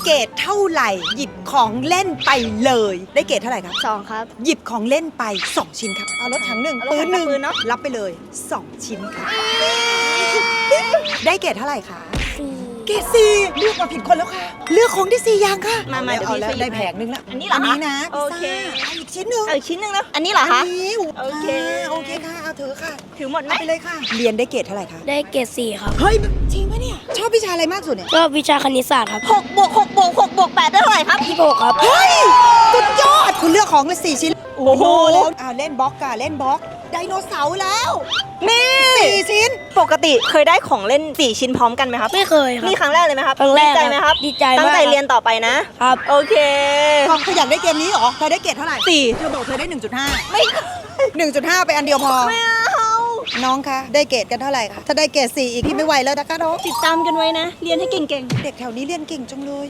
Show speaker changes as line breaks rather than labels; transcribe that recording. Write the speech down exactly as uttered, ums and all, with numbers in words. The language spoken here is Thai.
เกรดเท่าไหร่หยิบของเล่นไปเลยได้เกรดเท่าไหร่ครับ
สองครับ
หยิบของเล่นไปสองชิ้นครับเอารถถังหนึ่ง
เอารถ
ปื
ถั
น
ง
หนึ่ง
กับปืนเนอะ
รับไปเลยสองชิ้นครับได้เกรดเท่าไหร่คะ
สี่
เกรดสี่เลือกมาผิดคนแล้วค่ะเลือกของได้สี่อย่างค่ะ
มามา
เอาแล้ว
เดี๋ยวพี่
ได้
ช่วยหยิบ
แผงนึงละ
อันนี้เหรอ
อันนี้นะ
โอเค
พิซซ่าเอาอีกชิ้นหนึ่ง
เอาอีกชิ้นหนึงนะอันนี้เหรอคะ
นนี้
โอเค
โอเคค่ะเอาถือค่ะ
ถือหมดไหม
เอาไปเลยค่ะเรียนได้เกรดเท่าไหร่คะ
ได้เกรดสี่ครับ
เฮ้ยจริงปะเนี่ยชอบวิชาอะไรมากสุดเนี่ย
ก็วิชาคณิตศาสตร์ครับ
หกบวกหกบวกหกบวกแปดได้เท่าไหร่ครับ
ที่หกครับ
เฮ้ยสุดยอดคุณเลือกของเลยสี่ชิ้น
โอ้โห
แล้วอ่าเล่นบล็อกค่ะเล่นบล็อกไดโนเสาร์แล้ว
นี่
สี่ชิ้น
ปกติเคยได้ของเล่นสี่ชิ้นพร้อมกันไหมครับ
ไม่เคยครับ
นี่ครั้งแรกเลยไหมครับ
ครั้งแรก
ดีใจไหมครับ
ดีใจมาก
ตั้งใจเรียนต่อไปนะครับ โอเค
ความขยันได้เกมนี้เหรอเธอได้เกรดเท่าไหร่
สี่
เธอบอกเธอได้ หนึ่งจุดห้า
ไม่
หนึ่งจุดห้าไปอันเดียวพอ
ไม่เอา
น้องคะได้เกรดกันเท่าไหร่คะถ้าได้เกรดสี่อีกพี่ไม่ไหวแล้วนะคะน้อง
ติดตามกันไว้นะ เรียนให้เก่งๆ
เด็กแถวนี้เรียนเก่งจังเลย